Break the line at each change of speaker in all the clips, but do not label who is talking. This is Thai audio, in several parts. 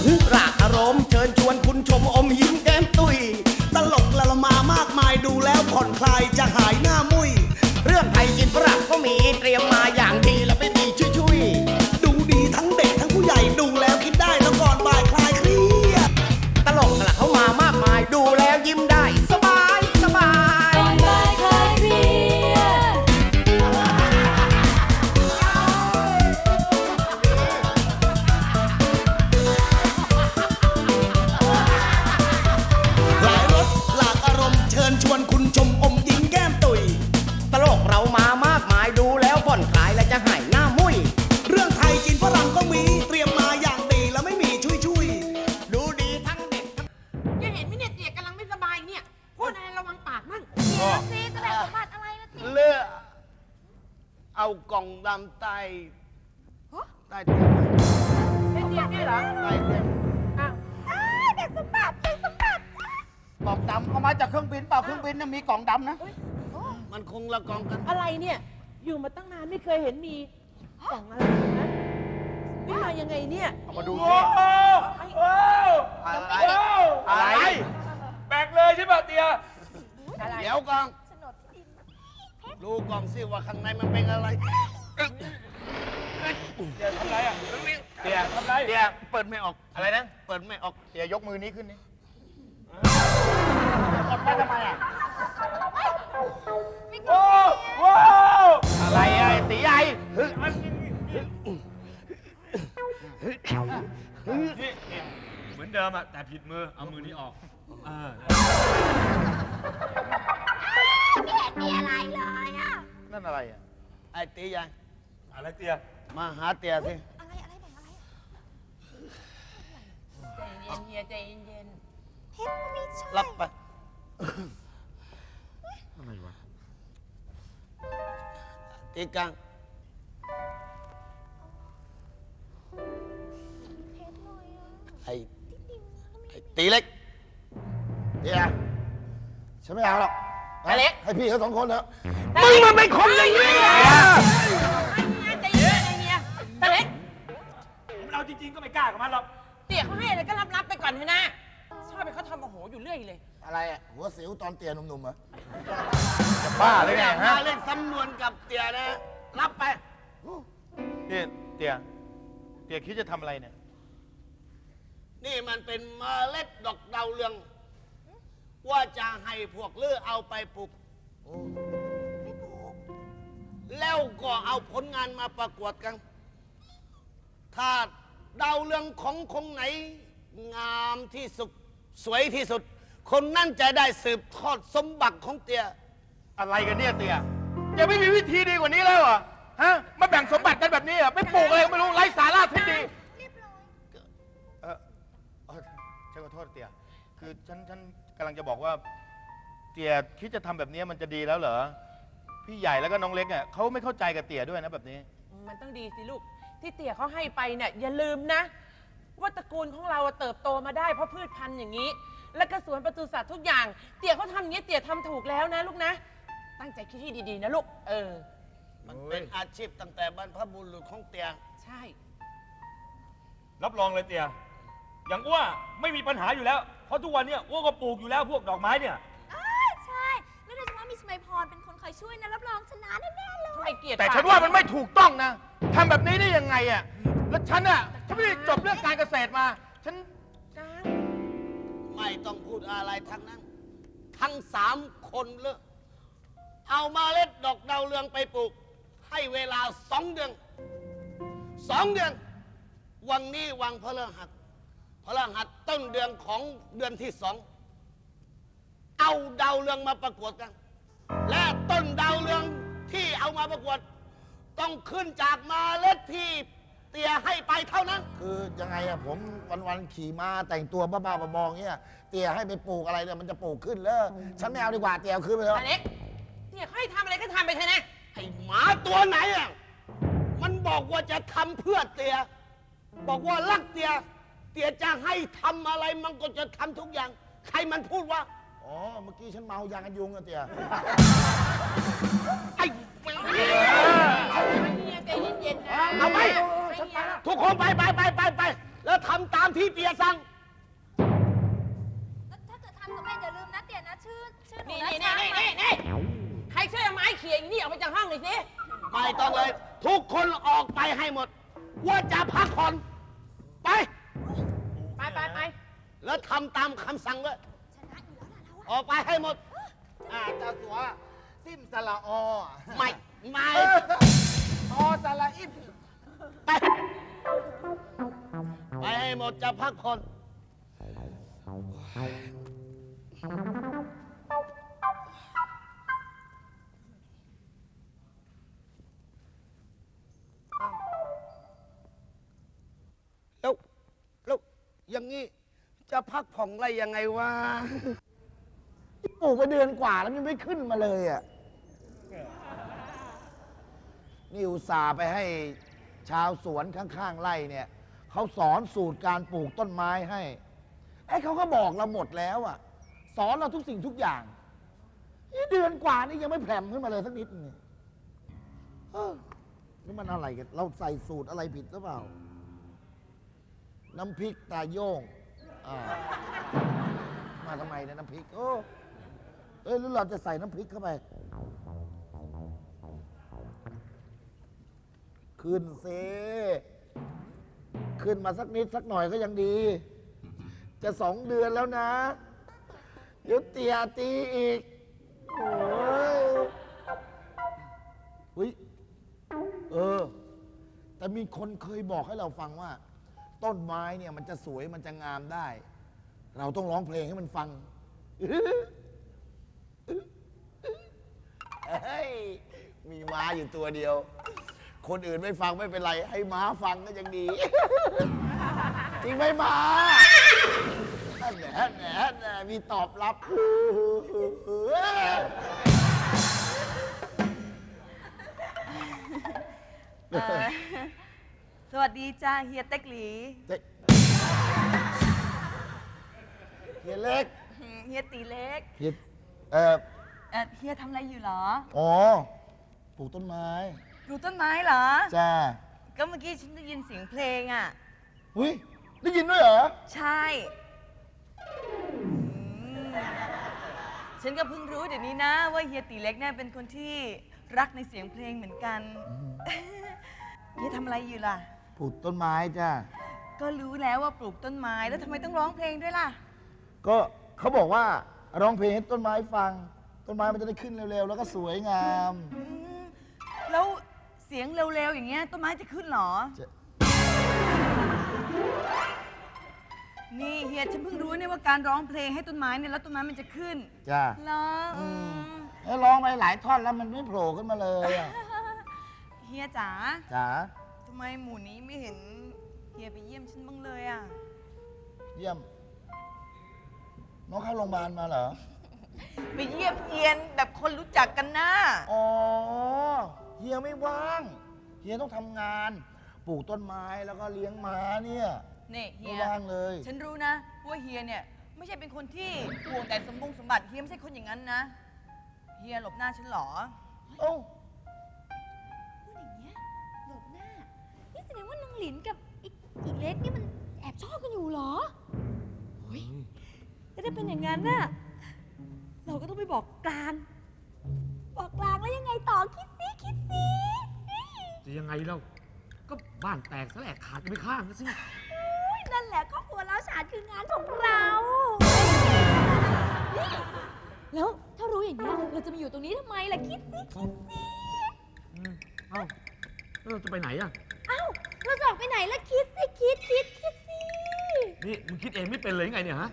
รากอารมณ์เชิญชวนคุณชมอมยิ้มแก้มตุยตลกละละมามากมายดูแล้วผ่อนคลายจะหายหน้ามุยเรื่องไทยกินฝรั่งก็มีเตรียมมาอย่างดีแล้วไม่มีชุยดูดีทั้งเด็กทั้งผู้ใหญ่ดูแล้วคิดได้แล้วก่อนบ่ายคลายเครียดตลกละเข้ามามากมายดูแล้วยิ้มได้สบายสบาย
ก่อนบ่ายคลายเครียด
หลายรสหลากอารมณ์เชิญชวนคุณชมอมยิ้มแก้มตุยตลกเรามามากมายดูแล้วผ่อนคลายและจะหายหน้ามุยเรื่องไทยกินฝรั่งก็มีเตรียมมาอย่างดีแล้วไม่มีชุยดูดีทั้งเด็ก
อย่าเห็นไหมเนี่ยเตี๋ยกำลังไม่สบายเนี่ยพูดอะไรระวังปากมั่ง
ซีจะแบ่งสมบัติอะไรล่ะที
เลือกเอากล่องดำใต้เตียง
เป็นเตี๋ยเนี่ยเหรอ
ใต้เตียง
อ้าว
แบ่งสมบัติแบ่งสมบัติ
กล่องดำเอามาจากเครื่องบินเปล่าเครื่องบินน่ะมีกล่องดำนะ
มันคงละกองกัน
อะไรเนี่ยอยู่มาตั้งนานไม่เคยเห็นมีกล่องอะไรนะนี่มายังไงเนี่ย
เอามาดู
โอ้
สิ
โหโอ้
อะไร
อะไรแบกเลยใช่ป่ะเตีย
อะไร
เดี๋ยวกล่อง
โฉนดที่ดิน
ดูกล่องสิว่าข้างในมันเป็นอะไร
เตียทำไรอ่ะเตียทำไร
เดี๋ยวเปิดไม่ออก
อะไรนะ
เปิดไม่ออก
เดี๋ยวยกมือนี้ขึ้นนี่
กดไปทำไมอ่ะโอ้โห
อะไรอะไอ้ตีใหญ่
นี่เหมือนเดิมอ่ะแต่ผิดมือเอามือนี้ออก
ไม่เห็นมีอะไรเลยอะ
นั่นอะไรอ่ะ
ไอ้ตีใหญ่
อะไรเตีย
มาหาเตียสิ
อะไรอะไรแบ่งอะไรอะ
ใจเย็นเฮียใจเย็น
เพชรก็ไม่ใช่
รับไป
อะไรวะ
ตีกลาง
เพชรเลยอะ
ไอ้
ดินก็ไม่
ตีเล็ก
เดี๋ยวฉันไม่เอาหรอก
ตาเล็ก
ให้พี่เขาสองคนเถอะ
มึงมันเป็นคนอย่างนี้ใจเย็นเฮียตาเล็ก
มันเอาจริงๆก็ไม่กล้ากับมันหรอก
เตี๋ยเขาให้อะไรก็รับไปก่อนเถอะนะชอบไปเขาทำโอ้โหอยู่เรื่อยเลย
อะไรอ่ะหัวสิวตอนเตียหนุ่มๆเหรอ
บ้าเลยเนี่ยฮะเล่นสำนวนกับเตียนะ รับไป
นี่เตียคิดจะทำอะไรเนี่ย
นี่มันเป็นเมล็ดดอกดาวเรือง ว่าจะให้พวกเลือเอาไปปลูก
ไม่ปลูก
แล้วก็เอาผลงานมาประกวดกัน ถ้าดาวเรืองของคงไหน งามที่สุด สวยที่สุด คนนั่นจะได้สืบทอดสมบัติของเตีย
อะไรกันเนี่ยเตียยังไม่มีวิธีดีกว่านี้แล้วเหรอฮะมาแบ่งสมบัติกันแบบนี้เหรอไม่ปลูกอะไรก็ไม่รู้ไร้สาระทิ้งดี
เรียบร้อย
ฉันขอโทษเตียคือฉันกำลังจะบอกว่า เตียคิดจะทำแบบนี้มันจะดีแล้วเหรอพี่ใหญ่แล้วก็น้องเล็กเนี่ยเขาไม่เข้าใจกับเตียด้วยนะแบบนี้
มันต้องดีสิลูกที่เตี๋ยเขาให้ไปเนี่ยอย่าลืมนะ ว่าตระกูลของเราเติบโตมาได้เพราะพืชพันธุ์อย่างนี้ แล้วก็สวนปศุสัตว์ทุกอย่าง เตี๋ยเขาทำอย่างนี้เตี๋ยทำถูกแล้วนะลูกนะ ตั้งใจคิดให้ดีๆนะลูก
มันเป็นอาชีพตั้งแต่บรรพบุรุษของเตีย
ใช่
รับรองเลยเตียอย่างอ้วไม่มีปัญหาอยู่แล้ว เพราะทุกวันเนี้ยอ้วก็ปลูกอยู่แล้วพวกดอกไม้เนี่ย
ใช่แล้วโดยเฉพาะมีสมัยพรเป็นคนคอยช่วยนะรับรองชนะแน่ๆเลย
ทำไมเกลียด
แต่ฉันว่ามันไม่ถูกต้องนะทำแบบนี้ได้ยังไงอ่ะแล้วฉันไม่ได้จบเรื่องการเกษตรมาฉัน
จ้า
ไม่ต้องพูดอะไรทั้งนั้น ทั้ง3 คนเลยเอามาเล็ดดอกดาวเรืองไปปลูก ให้เวลา2 เดือน 2 เดือน วันนี้วันพฤหัสต้นเดือนของเดือนที่ 2 เอาดาวเรืองมาประกวดกัน และต้นดาวเรืองที่เอามาประกวด ต้องขึ้นจากเมาเล็ดที่เตียให้ไปเท่านั้น
คือยังไงอะผมวันๆขี่ม้าแต่งตัวบ้าๆบอๆเงี้ยเตียให้ไปปลูกอะไรเนี่ยมันจะปลูกขึ้นเลยฉันไม่เอาดีกว่าเตียเอาขึ้นไปเถ
ตา
อะ
เล็กเตี๋ยเขาให้ทำอะไรก็ทำไปเถอะนะ
ไอ้หมาตัวไหนอ่ะ มันบอกว่าจะทำเพื่อเตีย บอกว่ารักเตีย เตียจะให้ทำอะไรมันก็จะทำทุกอย่าง ใครมันพูดว่า
อ๋อเมื่อกี้ฉันเมายากันยุงอะเตีย
ไอ้
เฮียใจเย็นๆนะ
เอาไป
ไม่เฮียหรอก
ทุกคนไปแล้วทำตามที่เตียสั่ง
แล้วถ้าเกิดทำสำเร็จอย่าลืมนะเตี่ยนะชื่อหนู
นี่
นะ
นี่
ช้าง
นี่นี่นี่ใครช่วยเอาไม้เขี่ยอีนี่ออกไปจากห้องหน่อยสิ
ไม่ต้องเลย ทุกคนออกไปให้หมด ว่าจะพักผ่อนไป
ไปไปไป
แล้วทำตามคำสั่งเลย
ชนะอยู่แล้วล่ะเราอะ
ออกไปให้หมด
เจ้าสัวซิมสละอ
ไม่ไม่
อสละอิม
ไปไปให้หมดจะพักผ่อนแล้วอย่างนี้จะพักผ่อนอะไรยังไงวะ
ปลูกไปเดือนกว่าแล้วมันไม่ขึ้นมาเลยอ่ะนี่อุตส่าห์ไปให้ชาวสวนข้างๆไร่เนี่ยเขาสอนสูตรการปลูกต้นไม้ให้ไอ้เขาก็บอกเราหมดแล้วอ่ะ สอนเราทุกสิ่งทุกอย่างนี่เดือนกว่านี่ยังไม่แผ่มขึ้นมาเลยสักนิดนึงนี่มันอะไรกันเราใส่สูตรอะไรผิดหรือเปล่า น้ำพริกตาโย่งมาทำไมเนี่ยน้ำพริกหรือเราจะใส่น้ำพริกเข้าไป ขึ้นเซขึ้นมาสักนิดสักหน่อยก็ยังดี จะ2 เดือนแล้วนะ เดี๋ยวเตียตีอีก โอ้ยแต่มีคนเคยบอกให้เราฟังว่า ต้นไม้เนี่ยมันจะสวยมันจะงามได้ เราต้องร้องเพลงให้มันฟัง เฮ้ย มีม้าอยู่ตัวเดียว คนอื่นไม่ฟังไม่เป็นไร ให้ม้าฟังก็ยังดี จริงไหมม้าแหน่มีตอบรับ
สวัสดีจ้าเฮียเต็กหลี
เฮียเล็ก
เฮียตีเล็ก
เฮีย
เฮียทำอะไรอยู่เหรอ
อ๋อ ปลูกต้นไม้
ปลูกต้นไม้เหรอ
จ้า
ก็เมื่อกี้ฉันได้ยินเสียงเพลงอ่ะ
อุ้ยได้ยินด้วยเหรอ
ใช่ฉันก็เพิ่งรู้เดี๋ยวนี้นะ ว่าเฮียตีเล็กเนี่ยเป็นคนที่รักในเสียงเพลงเหมือนกัน เฮียทำอะไรอยู่ล่ะ
ปลูกต้นไม้จ้า
ก็รู้แล้วว่าปลูกต้นไม้แล้วทำไมต้องร้องเพลงด้วยล่ะ
ก็เขาบอกว่าร้องเพลงให้ต้นไม้ฟัง ต้นไม้มันจะได้ขึ้นเร็วๆ แล้วก็สวยงาม
แล้วเสียงเร็วๆอย่างเงี้ยต้นไม้จะขึ้นเหรอ
จะ
นี่เฮียฉันเพิ่งรู้เนี่ยว่าการร้องเพลงให้ต้นไม้เนี่ยแล้วต้นไม้มันจะขึ้น
จ้า
เหรออืม
แล้วร้องไปหลายท่อนแล้วมันไม่โผล่ขึ้นมาเลยอะ
เฮียจ๋า
จ๋า
ทำไมหมู่นี้ไม่เห็นเฮียไปเยี่ยมฉันบ้างเลยอ่ะ
เยี่ยม น้องเข้าโรงพยาบาลมาเหรอ
ไปเยี่ยมเยียนแบบคนรู้จักกันนะ
อ๋อ เฮียไม่ว่าง เฮียต้องทำงาน ปลูกต้นไม้แล้วก็เลี้ยงม้าเนี่ย
นี่เฮี
ไม่
ย
ว่างเลย
ฉันรู้นะว่าเฮียเนี่ยไม่ใช่เป็นคนที่ห่วงแต่สมบัติเฮียไม่ใช่คนอย่างนั้นนะ เฮียหลบหน้าฉันเหรอ
เอ้า
พูดอย่างเงี้ยหลบหน้า นี่แสดงว่านางหลินกับอีเล็กนี่มันแอบชอบกันอยู่เหรอโอ้ยแล้วถ้าเป็นอย่างนั้นน่ะ เราก็ต้องไปบอกกลาง บอกกลางแล้วยังไงต่อคิดสิคิดสิ
จะยังไงเล่าก็บ้านแตกแสลกขาดกันไปข้างนะสิ
อุ๊ยนั่นแหละครอบครัวเราฉานคืองานของเรานี่แล้วถ้ารู้อย่างนี้ยเราจะมาอยู่ตรงนี้ทำไมล่ะคิดสิคิดสิ
เอ้าแล้วเราจะไปไหนอ่ะ
เอ้าเราจะออกไปไหนล่ะคิดสิคิดสิ
นี่มึงคิดเองไม่เป็นเลยยังไงเนี่ยฮะ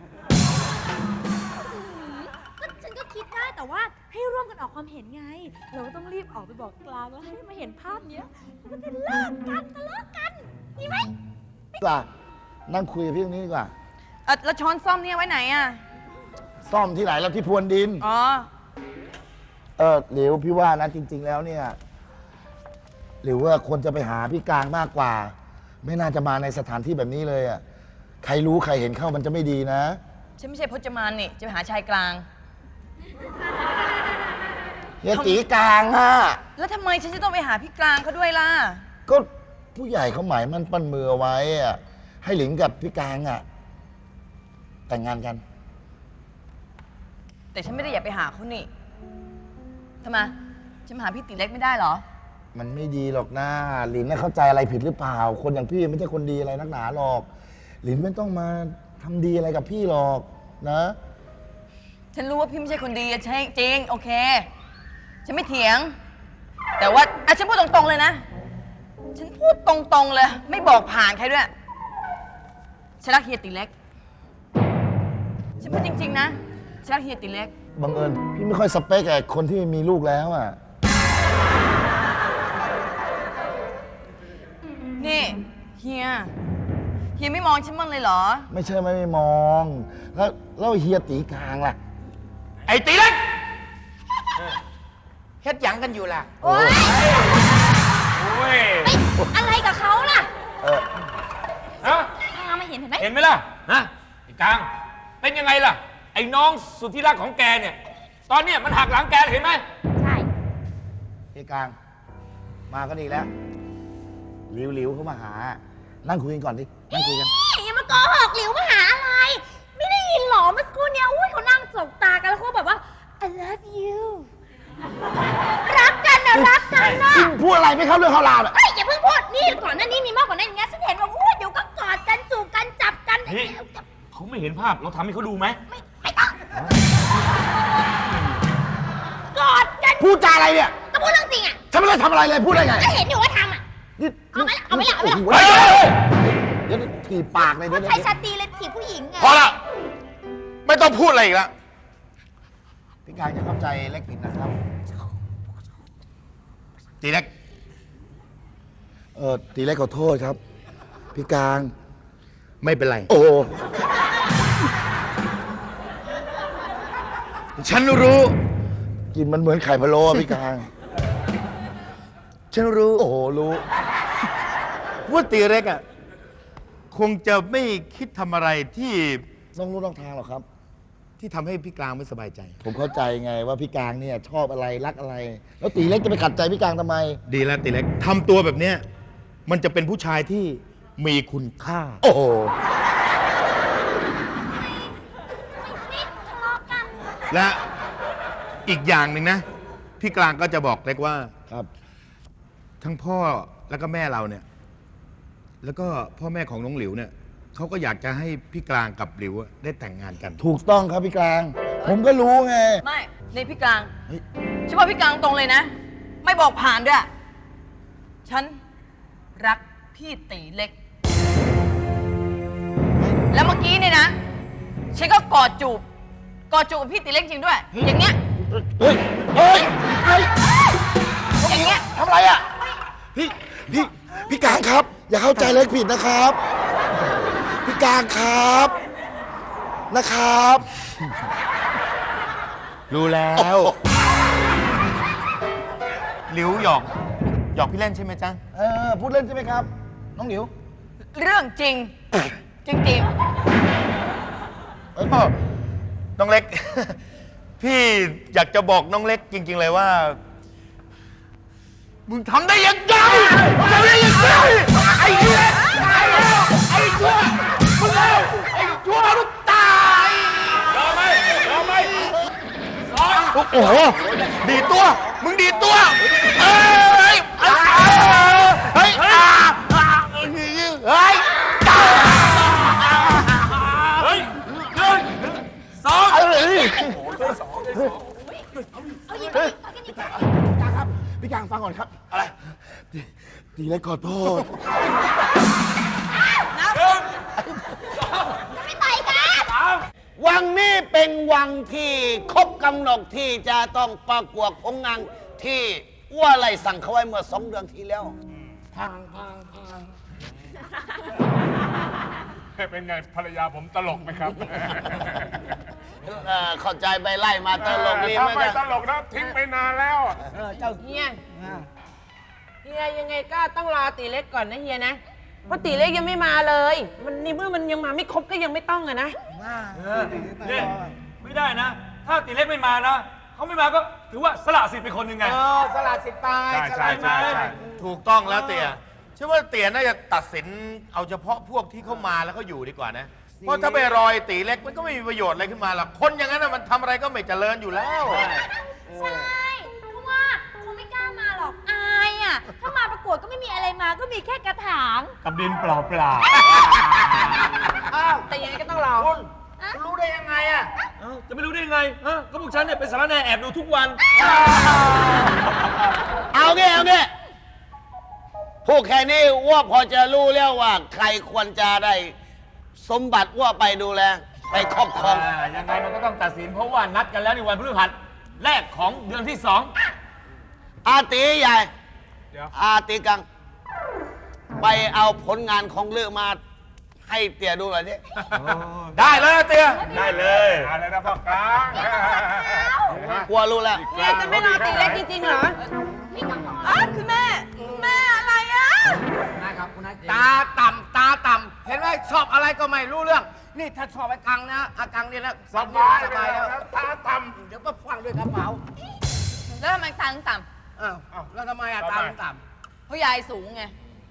ก็ฉันก็คิดได้แต่ว่าให้ร่วมกันออกความเห็นไง เราก็ต้องรีบออกไปบอกกลางแล้วให้มาเห็นภาพเนี้ยเขาก็จะเลิกกันทะเลาะกันดีไหม
กว่านั่งคุยกับพี่ตรงนี้ดีกว่า
แล้วช้อนซ่อมเนี่ยไว้ไหนอ่ะ
ซ่อมที่ไหนแล้วที่พรวนดิน
อ๋อ
หลิวพี่ว่านะจริง ๆ แล้วเนี่ย หรือว่าควรจะไปหาพี่กลางมากกว่า ไม่น่าจะมาในสถานที่แบบนี้เลยอ่ะ ใครรู้ใครเห็นเข้ามันจะไม่ดีนะ
ฉันไม่ใช่พจมานนี่ จะไปหาชายกลาง
เฮียตีกลางอ่ะ
แล้วทำไมฉันจะต้องไปหาพี่กลางเขาด้วยล่ะ
ก็ผู้ใหญ่เขาหมายมั่นปั้นมือเอาไว้อะให้หลิงกับพี่กลางอ่ะ แต่งงานกัน
แต่ฉันไม่ได้อยากไปหาเขานี่ทำไมฉันมาหาพี่ตีเล็กไม่ได้เหรอ
มันไม่ดีหรอกนะหลินน่ะเข้าใจอะไรผิดหรือเปล่า คนอย่างพี่ไม่ใช่คนดีอะไรนักหนาหรอก หลินไม่ต้องมาทำดีอะไรกับพี่หรอกนะ
ฉันรู้ว่าพี่ไม่ใช่คนดีใช่จริงโอเค ฉันไม่เถียง แต่ว่าฉันพูดตรงๆเลยนะ ฉันพูดตรงๆเลย ไม่บอกผ่านใครด้วย ฉันรักเฮียตีเล็ก ฉันพูดจริงๆนะ ฉันรักเฮียตีเล็ก
บังเอิญพี่ไม่ค่อยสเปคไอ้คนที่มีลูกแล้วอ่ะ
นี่เฮียไม่มองฉันบ้างเลยเหรอ
ไม่ใช่ไม่มอง แล้วเฮียตีกลางล่ะ
ไอ้ตีเล็กเฮ็ดหยังกันอยู่ล่ะ
โอ๊ย
โอ้ย
อะไรกับเขาล่ะ
ฮะ
พามาเห็นไหม
เห็นไหมล่ะ ฮะ ไอ้กลาง เป็นยังไงล่ะ ไอ้น้องสุดที่รักของแกเนี่ย ตอนเนี้ยมันหักหลังแกเห็นไหม
ใช่
เฮียกลาง มาก็ดีแล้วหลิวเข้ามาหา นั่งคุยกันก่อนดิ นั่งคุยกัน
อย่ามาโกหกหลิวมาหาอะไร ไม่ได้ยินหรอเมื่อสักครู่เนี้ยอุ้ยเขานั่งสบตากันแล้วเขาแบบว่า I love you รักกันนะรักกันนะ
พูดอะไรไม่เข้าเรื่องเข้าราวเลย
เฮ้ยอย่าเพิ่งพูดนี่ก่อนหน้านี้มีมากกว่านั้นอย่างเงี้ยฉันเห็นว่าอุ้ยเดี๋ยวก็กอดกันจูบกันจับกัน
นี่ เขาไม่เห็นภาพ เราทำให้เขาดูไหม
ไม่ต้องกอดกัน
พูดจาอะไรเนี่ย
ก็พูดเรื่องจริงอ่ะ
ฉันไม่ได้ทำอะไรเลย พูดได้ไง
ก็เห็นอยู่ว่าทำอ่ะ
นี่
เอาไหมล่ะเอาไหมล่ะเอาไหมล่ะ
โอ้โหเฮ้ยเดี๋ยวถีบปากเลยเดี๋ยว
ใช้ชาตรีเลยถีบผู้หญิงไง
พอละไม่ต้องพูดอะไรอีกแล้ว
พี่กลางจะเข้าใจเล็กผิดนะครับ
ตีเล็ก
ตีเล็กขอโทษครับ พี่กลาง
ไม่เป็นไร
โอ้
ฉันรู้
กินมันเหมือนไข่พะโล้อะพี่กลาง
ฉันรู้
โอ้โห รู้
ว่าตีเล็กอ่ะ คงจะไม่คิดทำอะไรที่
น้องรู้น้องทางหรอกครับ
ที่ทำให้พี่กลางไม่สบายใจ
ผมเข้าใจไงว่าพี่กลางเนี่ยชอบอะไรรักอะไร แล้วตีเล็กจะไปขัดใจพี่กลางทำไม
ดีแล้วตีเล็กทำตัวแบบเนี้ยมันจะเป็นผู้ชายที่มีคุณค่า
โอ้โห
นี่ทะเลาะกัน
และอีกอย่างหนึ่งนะ พี่กลางก็จะบอกเล็กว่า
ครับ
ทั้งพ่อแล้วก็แม่เราเนี่ย แล้วก็พ่อแม่ของน้องหลิวเนี่ยเขาก็อยากจะให้พี่กลางกับหลิวอะได้แต่งงานกัน
ถูกต้องครับพี่กลาง ผมก็รู้ไง
ไม่ในพี่กลาง
เฮ้ย
ฉันว่าพี่กลางตรงเลยนะ ไม่บอกผ่านด้วย ฉันรักพี่ตีเล็ก แล้วเมื่อกี้เนี่ยนะ ฉันก็กอดจูบกับพี่ตีเล็กจริงด้วย อย่างเงี้ย
เฮ้ย เฮ้ย เฮ้ย
อย่างเงี้ย
ทำอะไรอ่ะ พี่กลางครับ อย่าเข้าใจเล็กผิดนะครับ พี่กลางครับ นะครับ
รู้แล้วหลิวหยอกพี่เล่นใช่ไหมจ๊ะ
พูดเล่นใช่ไหมครับ น้องหลิว
เรื่องจริง จริง
น้องเล็ก พี่อยากจะบอกน้องเล็กจริง ๆ เลยว่า มึงทำได้ยังไงทำได้ยังไงไอ้เหี้ยไอ้ชั่วมึงเอาไอ้ชั่วมึงตาย
ยอมไหมยอมไหม
โอ้โหดีดตัว มึงดีดตัวเฮ้ยเฮ้ยเฮ้ยเฮ้ย
เฮ้ยหนึ่งสอง
เอาอย่างนี้เอาอย่างนี้
พี่กลางครับ พี่กลางฟังก่อนครับ อะไร ตีเล็กขอโทษ
ไม่ต่อยกัน
วังนี้เป็นวังที่ครบกำหนดที่จะต้องประกวดผลงานที่อ้วไรสั่งเขาไว้เมื่อ2 เดือนที่แล้ว
เป็นไงภรรยาผมตลกไหมครับ
เข้าใจไปไล่มาตลกลี
ถ้า
ไม่
ไม่
ได้
ตลกนะทิ้งไปนานแล้ว
ๆเฮียยังไงก็ต้องรอตีเล็กก่อนนะเฮียนะ เพราะตีเล็กยังไม่มาเลย มันนี่เมื่อมันยังมาไม่ครบก็ยังไม่ต้องอะนะ
เนี่ยไม่ได้นะ ถ้าตีเล็กไม่มานะ เขาไม่มาก็ถือว่าสละสิทธิ์เป็นคนหนึ่งไง
สลัดสิทธิ์ไป
ใช่
ใช่
ถูกต้องแล้วเตี่ยฉันว่าเตี๋ยน่าจะตัดสินเอาเฉพาะพวกที่เข้ามาแล้วเขาอยู่ดีกว่านะ เพราะถ้าไปรอยตีเล็กมันก็ไม่มีประโยชน์อะไรขึ้นมาหรอกคนอย่างนั้นน่ะมันทำอะไรก็ไม่เจริญอยู่แล้ว
ใช่เพราะว่าคงไม่กล้ามาหรอกอายอ่ะ ถ้ามาประกวดก็ไม่มีอะไรมาก็มีแค่กระถาง
กับดินเปล่าเปล่า
แต่ยังไงก็ต้องรอ
รู้ได้ยังไงอ่ะ
ๆเอ้าจะไม่รู้ได้ยังไงฮะก็พวกฉันเนี่ยเป็นสารแหน่แอบดูทุกวัน
เอางี้พูดแค่นี้ว่าพอจะรู้แล้วว่า ใครควรจะได้สมบัติว่าไปดูแลไปครอบครอง
ยังไงมันก็ต้องตัดสินเพราะว่านัดกันแล้วในวันพฤหัสแรกของเดือนที่ 2
อาตีใหญ่
เดี๋ยว
อาตีกัง ไปเอาผลงานของเลือกมาให้เตี่ยดูหน่อยสิ
ได้เลยเตี๋ย
ได้เลย
อะไรนะพ่อกลาง
กลัวรู้แล้ว
เนี่ยจะไม่รอตีเล็กจริงๆเหรอ
ไม่ต้องรอ
อ้าวคุณแม่คุณแม่อะไรอ่ะ
ตาต่ำเห็นไหมชอบอะไรก็ไม่รู้เรื่อง นี่ถ้าชอบไอ้กังนะอากังนี่แล้วสบายแล้วตาต่ำเดี๋ยวก็ฟังด้วยกระเป๋า
แล้วทำไมตังค์ต่
อ้าวแล้วทำไมอะตาต่
ำเพราะยายสูงไง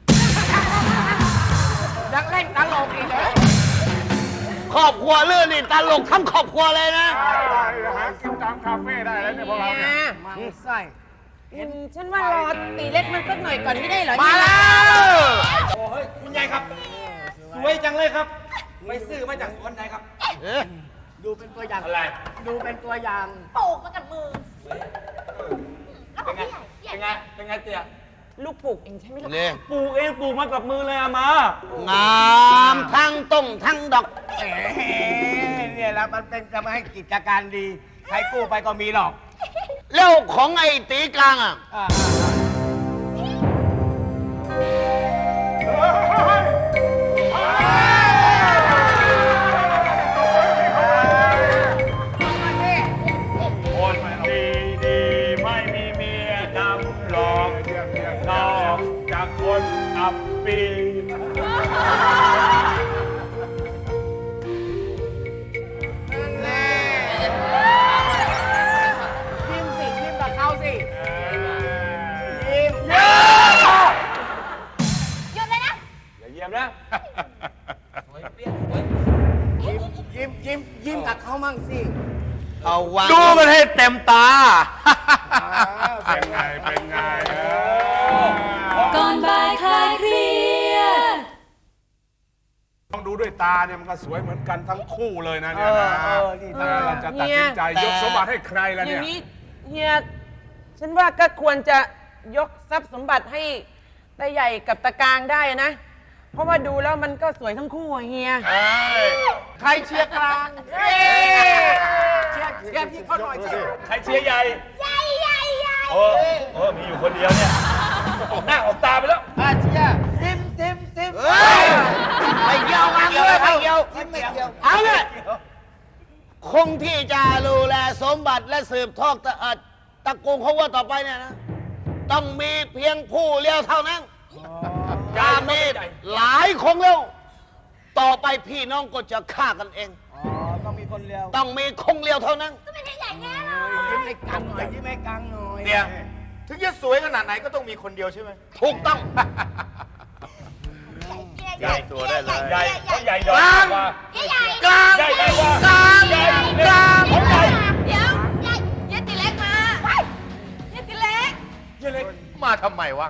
ำยังเล่นตลกอีกเหรอ
ครอบครัวเรื่องนี่ตลกทั้งครอบครัวเลยนะ
หากินตามคาเฟ่ได้แล้วเนี่ยพวกเราเนี่ยมังไส้
ฉันว่ารอตีเล็กมันสักหน่อยก่อนไม่ได้เหรอ
มาแล้ว
โอ้ยคุณยายครับ สวยจังเลยครับ ไปซื้อมาจากสวนไหนครับ
ดูเป็นตัวอย่าง
อะไร
ดูเป็นตัวอย่าง
ปลูกมากับมือ
เป็นไง เป็นไง เป็นไงเตี่ย
ลูกปลูกเองใช่ไหมล่ะ
นี่
ปลูกเองปลูกมากับมือเลยอะมา
งามทั้งต้มทั้งดอก
เนี่ยแล้วมันเป็นจะมาให้กิจการดี ใครกู้ไปก็มีหรอก
แล้วของไอ้ตีกลางอ่ะ
คนดีดีไม่มีเมียดำหลอกนอกจากคนอับปี
ยิ้มสิยิ้มกับเขาสิยิ้ม
หยุดเลยนะ
อย่าเยี่ยมนะ
ยิ้มกับเขามั่งสิ
เอาวาง
ดูมันให้เต็มตา
เป็นไง เป็นไง
ก่อนบ่ายคลายเครียด
ต้องดูด้วยตาเนี่ยมันก็สวยเหมือนกันทั้งคู่เลยนะเนี่ยนะ
นี่
เราจะตัดสินใจยกสมบัติให้ใครล่ะ
อ
เนี่
ย่าย งนี้เฮีย ฉันว่าก็ควรจะยกทรัพย์สมบัติให้ตาใหญ่กับตากลางได้นะ เพราะว่าดูแล้วมันก็สวยทั้งคู่อะเฮีย
ใครเชียร์กลางเชียร์พี่เขาหน่อยสิ
ใครเชียร์ใหญ่ ใหญ่มีอยู่คนเดียวเนี่ย ออกหน้าออกตาไปแล้ว
เชียร์ซิม
ไม่เกี่ยวไม่เกี่ยวไม่เกี่ยวเอาเลยคงที่จะดูแลสมบัติและสืบทอดตระกูลของว่าต่อไปเนี่ยนะ ต้องมีเพียงผู้เดียวเท่านั้นจะมีหลายคงแล้วต่อไปพี่น้องก็จะฆ่ากันเอง
ต้องมีคนเดียว
ต้องมีคงเดียวเท่านั้น
ก็ไม่ใช่ใหญ่แน่นอน
ยิ้มให้กังหน่อยยิ้มให้กังหน่อย
เนี่ย ถึงจะสวยขนาดไหนก็ต้องมีคนเดียวใช่ไหม
ถูกต้อง
ใหญ่ตัวได้เลย
ใหญ่เขาใหญ่ดอกกว่า
กลาง
ใหญ่ใหญ่กว่าก
ลาง
ใหญ่
กลาง
เขาใหญ่
เดี๋ยวเฮียตีเล็กมาเฮียตีเล็ก
มาทำไมวะ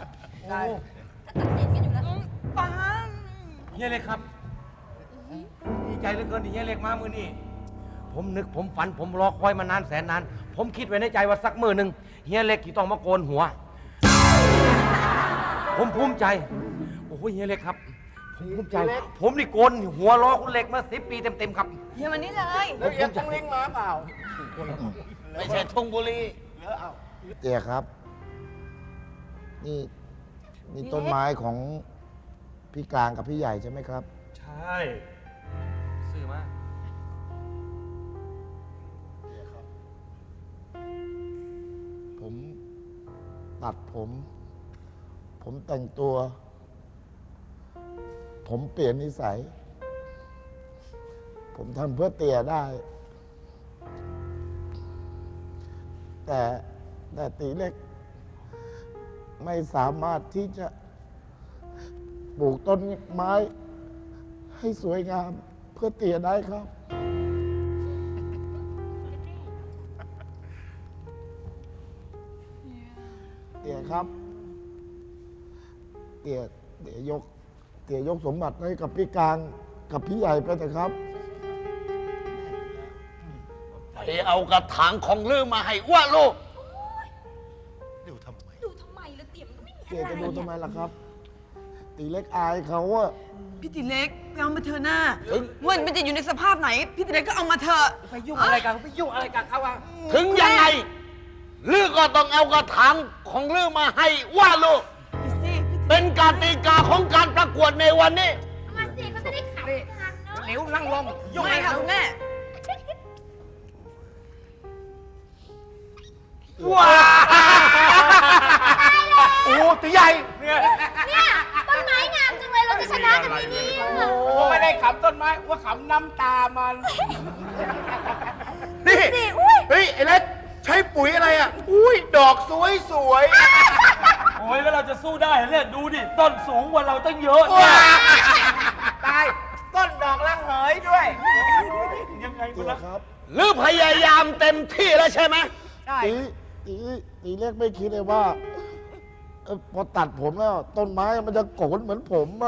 ปัง
เฮียเล็กครับ ดีใจเหลือเกินที่เฮียเล็กมามือนี่ผมนึกผมฝันผมรอคอยมานานแสนนาน ผมคิดไว้ในใจว่าสักมือหนึ่งเฮียเล็กที่ต้องมาโกนหัว ผมภูมิใจ โอ้โหเฮียเล็กครับ ผมภูมิใจ ผมนี่โกนหัวรอคุณเล็กมา10 ปีเต็มๆครับ
เฮียวันนี้เลย
แล้วยังต้องลิงมาเปล่า
ไม่ใช่ทุ่งบุรี
เตี๋ยครับ นี่ต้นไม้ของพี่กลางกับพี่ใหญ่ใช่ไหมครับ
ใช่ซื้อมา
ผมตัดผมแต่งตัว ผมเปลี่ยนนิสัย ผมทำเพื่อเตี๋ยได้ แต่ตีเล็ก ไม่สามารถที่จะปลูกต้นไม้ ให้สวยงามเพื่อเตี่ยได้ครับ เตี่ยครับ เตี่ยยกสมบัติให้กับพี่กลางกับพี่ใหญ่ไปเถอะครับ
ไปเอากระถางของลือมาให้อ้วนลูก
ดูทำไม
ดูทำไมละเตี่ยมันก็ไม่มี
เตี่ย
อะไร
จะดูทำไมล่ะครับ ตีเล็กอายเขาอะ
พี่ติเล็กไปเอามาเถอะหน้าว่ามันจะอยู่ในสภาพไหน พี่ติเล็กก็เอามาเถอะ
ไปยุ่งอะไรกันไปยุ่งอะไรกันเขาอะ
ถึงยังไงลือก็ต้องเอากระถางของลือมาให้อ้วนลูก
พี่ซี่
เป็นกติกาของการประกวดในวันนี้
เอามาสิเขาจะได้ขำกันเนาะ
เร็วนั่งลงยุ่ง
ไม่
อะไร
ค่ะ
กัน
คุณแม่
ว้าโอ้ตีใหญ่
เนี่ยต้นไม้งามจังเลยเราจะชนะกันไหมเนี่ย
ผมไม่ได้ขำต้นไม้ว่าขำน้ำตามัน
นี่
สิอุ้ย
เฮ้ย ไอ้เล็กใช้ปุ๋ยอะไรอ่ะ อุ้ย ดอกสวยสวย
โอ้ยแล้วเราจะสู้ได้เหรอเนี่ยดูดิต้นสูงกว่าเราตั้งเยอะ
ว้า
ตาย ต้นดอกละเหยด้วย
ยังไง
เตี่
มัน
ย
นะครับ
หรือพยายามเต็มที่แล้วใช่ไหม
ใช่
ตีเล็กไม่คิดเลยว่าพอตัดผมแล้ว ต้นไม้มันจะโกนเหมือนผมอะ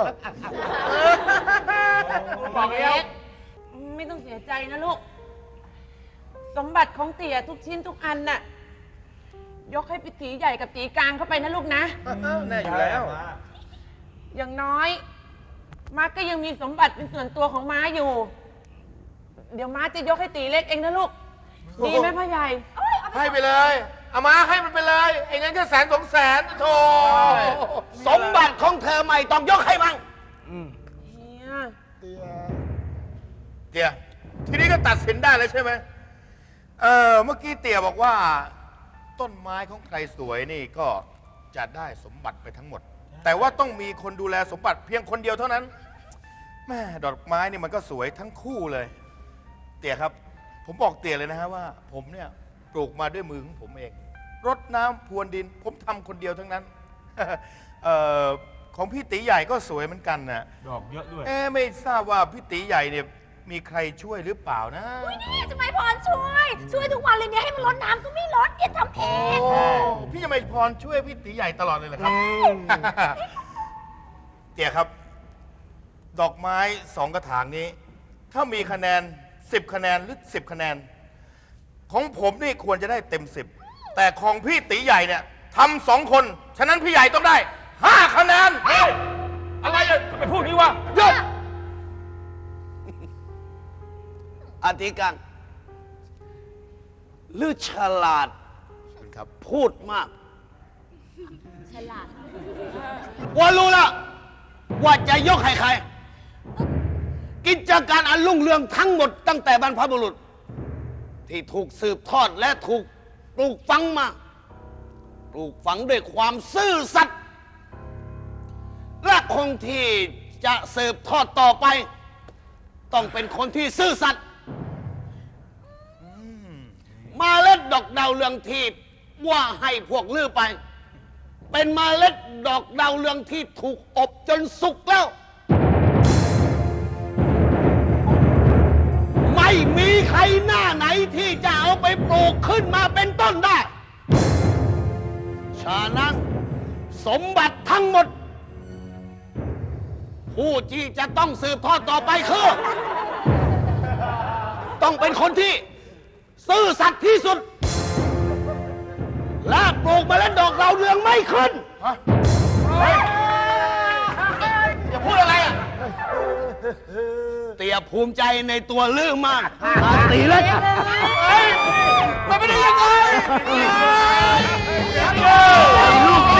บอกแล้ว
ไม่ต้องเสียใจนะลูก สมบัติของเตี่ยทุกชิ้นทุกอันน่ะ ยกให้พี่ตีใหญ่กับตีกลางเข้าไปนะลูกนะ
แน่อยู่แล้ว
อย่างน้อย ม้าก็ยังมีสมบัติเป็นส่วนตัวของม้าอยู่ เดี๋ยวม้าจะยกให้ตีเล็กเองนะลูก ดีไหมพ่อใหญ่
ให้ไปเลย เอามาให้มันไปเลย ไอ้งั้นก็100,000-200,000โธ่
สมบัติของเธอไม่ต้องยกให้มั่ง
เฮีย
เตี่ย
เตี่ยทีนี้ก็ตัดสินได้แล้วใช่ไหมเมื่อกี้เตี่ยบอกว่า ต้นไม้ของใครสวยนี่ก็จะได้สมบัติไปทั้งหมด แต่ว่าต้องมีคนดูแลสมบัติเพียงคนเดียวเท่านั้น แม่ดอกไม้นี่มันก็สวยทั้งคู่เลย เตี่ยครับ ผมบอกเตี่ยเลยนะฮะว่า ผมเนี่ยปลูกมาด้วยมือของผมเอง รดน้ำพรวนดิน ผมทำคนเดียวทั้งนั้น ของพี่ตีใหญ่ก็สวยเหมือนกันนะ
ดอกเยอะด้วย
ไม่ทราบว่าพี่ตีใหญ่เนี่ยมีใครช่วยหรือเปล่านะ
นี่จะไม่พรช่วยทุกวันเลยเนี่ยให้มันรดน้ำก็ไม่รดเนี่ยทำเอง
พี่จะไม่พรช่วยพี่ตีใหญ่ตลอดเลยเหรอครับ เตี่ยครับ ดอกไม้2กระถางนี้ ถ้ามีคะแนน10คะแนนหรือ10คะแนน ของผมนี่ควรจะได้เต็ม10แต่ของพี่ตีใหญ่เนี่ยทำ2คนฉะนั้นพี่ใหญ่ต้องได้5คะแนน
เฮ้ย อะไรอะทำไมพูดนี้วะ
หยุดอธิการหรือฉลาด
ครับ
พูดมาก
ฉลาด
ว่ารู้แล้วว่าจะยกให้ใคร กิจการอันรุ่งเรืองทั้งหมดตั้งแต่บรรพบุรุษ ที่ถูกสืบทอดและถูกปลูกฝังมา ปลูกฝังด้วยความซื่อสัตย์และคงที่จะสืบทอดต่อไป ต้องเป็นคนที่ซื่อสัตย์เมาเล็ดดอกดาวเรืองที่ว่าให้พวกลือไป เป็นเมล็ดดอกดาวเรืองที่ถูกอบจนสุกแล้ว ไม่มีใครหน้าไหนที่จะเอาไปปลูกขึ้นมาเป็นต้นได้ ฉะนั้นสมบัติทั้งหมด ผู้ที่จะต้องสืบทอดต่อไปคือ ต้องเป็นคนที่ซื่อสัตย์ที่สุด และปลูกเมล็ดดอกดาวเรืองไม่ขึ้น
อย่าพูดอะไรอ่ะ
เตี่ยภูมิใจในตัวลือมากตีเลยมันไม่ได้ยังไงลูก